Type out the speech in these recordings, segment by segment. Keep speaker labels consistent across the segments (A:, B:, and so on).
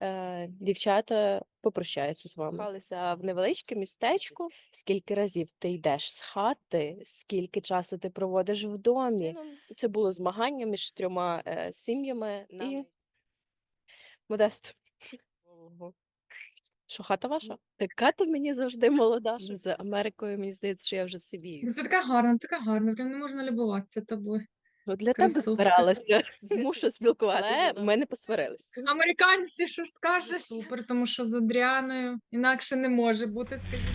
A: дівчата попрощаються з вами. Кохалися в невеличке містечко. Скільки разів ти йдеш з хати, скільки часу ти проводиш в домі. Це було змагання між трьома сім'ями і Модест. Що, хата ваша? Така ти мені завжди молода. З Америкою, мені здається, що я вже сивію.
B: Ти така гарна, прям не можна любуватися тобою.
A: Ну, для тебе
B: Красотка.
A: збиралася. Змушу спілкуватися. Але ми не посварились.
B: Американці, що скажеш? Супер, тому що з Адріаною інакше не може бути, скажімо.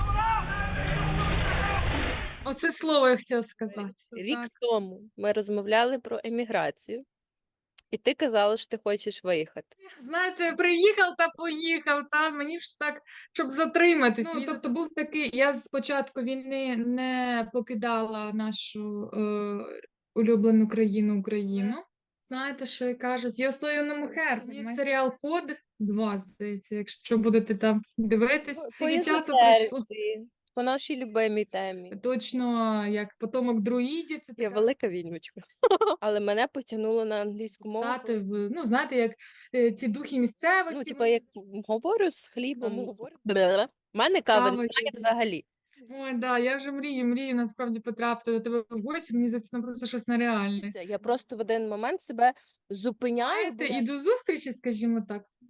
B: Оце слово я хотіла сказати.
A: Рік
B: Так.
A: тому ми розмовляли про еміграцію, і ти казала, що ти хочеш виїхати.
B: Знаєте, приїхав та поїхав, та мені ж так, щоб затриматись. Ну, тобто був такий, я з початку війни не покидала нашу улюблену країну Україну. Знаєте, що і кажуть? Yo soy una mujer. Є серіал Код 2, здається, якщо будете там дивитись. Скільки часу пройшло.
A: По нашій любимій темі.
B: Точно, як потомок друїдів, це
A: Я
B: така
A: велика відьмочка. Але мене потягнуло на англійську мову.
B: стати в, ну, знаєте, як ці духи місцевості.
A: Ну, типа, як говорю з хлібом. У мене кави
B: Кава
A: немає
B: є.
A: взагалі.
B: Ой, да, я вже мрію насправді потрапити до тебе в гості, мені здається, ну просто щось нереальне.
A: Я просто в один момент себе зупиняю.
B: Знаєте, і до зустрічі, скажімо так.